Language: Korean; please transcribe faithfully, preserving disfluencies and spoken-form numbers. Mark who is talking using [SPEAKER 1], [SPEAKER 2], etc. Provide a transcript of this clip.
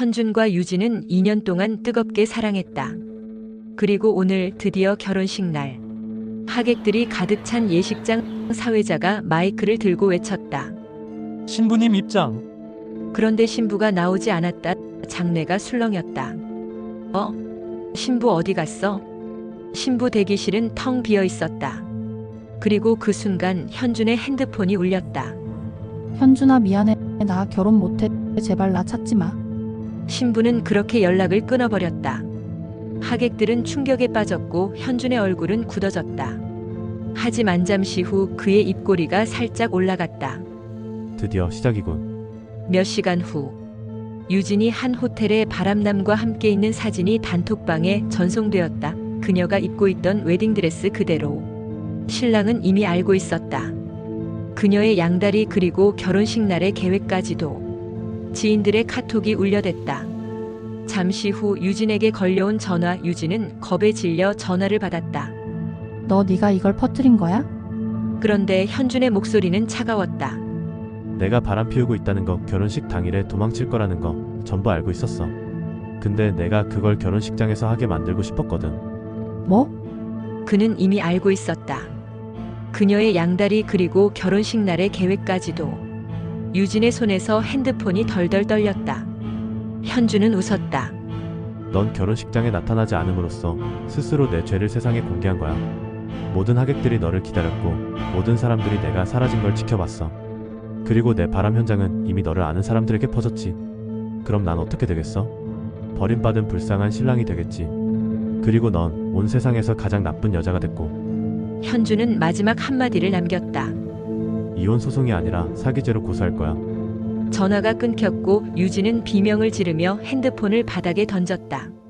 [SPEAKER 1] 현준과 유진은 이 년 동안 뜨겁게 사랑했다. 그리고 오늘 드디어 결혼식 날. 하객들이 가득 찬 예식장. 사회자가 마이크를 들고 외쳤다.
[SPEAKER 2] 신부님 입장.
[SPEAKER 1] 그런데 신부가 나오지 않았다. 장례가 술렁였다. 어? 신부 어디 갔어? 신부 대기실은 텅 비어 있었다. 그리고 그 순간 현준의 핸드폰이 울렸다.
[SPEAKER 3] 현준아 미안해. 나 결혼 못해. 제발 나 찾지 마.
[SPEAKER 1] 신부는 그렇게 연락을 끊어버렸다. 하객들은 충격에 빠졌고 현준의 얼굴은 굳어졌다. 하지만 잠시 후 그의 입꼬리가 살짝 올라갔다.
[SPEAKER 4] 드디어 시작이군.
[SPEAKER 1] 몇 시간 후 유진이 한 호텔의 바람남과 함께 있는 사진이 단톡방에 전송되었다. 그녀가 입고 있던 웨딩드레스 그대로. 신랑은 이미 알고 있었다. 그녀의 양다리 그리고 결혼식 날의 계획까지도. 지인들의 카톡이 울려댔다. 잠시 후 유진에게 걸려온 전화. 유진은 겁에 질려 전화를 받았다.
[SPEAKER 3] 너 네가 이걸 퍼뜨린 거야?
[SPEAKER 1] 그런데 현준의 목소리는 차가웠다.
[SPEAKER 4] 내가 바람 피우고 있다는 거, 결혼식 당일에 도망칠 거라는 거 전부 알고 있었어. 근데 내가 그걸 결혼식장에서 하게 만들고 싶었거든.
[SPEAKER 3] 뭐?
[SPEAKER 1] 그는 이미 알고 있었다. 그녀의 양다리 그리고 결혼식 날의 계획까지도. 유진의 손에서 핸드폰이 덜덜 떨렸다. 현준은 웃었다.
[SPEAKER 4] 넌 결혼식장에 나타나지 않음으로써 스스로 내 죄를 세상에 공개한 거야. 모든 하객들이 너를 기다렸고 모든 사람들이 내가 사라진 걸 지켜봤어. 그리고 내 바람 현장은 이미 너를 아는 사람들에게 퍼졌지. 그럼 난 어떻게 되겠어? 버림받은 불쌍한 신랑이 되겠지. 그리고 넌 온 세상에서 가장 나쁜 여자가 됐고.
[SPEAKER 1] 현준은 마지막 한마디를 남겼다.
[SPEAKER 4] 이혼 소송이 아니라 사기죄로 고소할 거야.
[SPEAKER 1] 전화가 끊겼고 유진은 비명을 지르며 핸드폰을 바닥에 던졌다.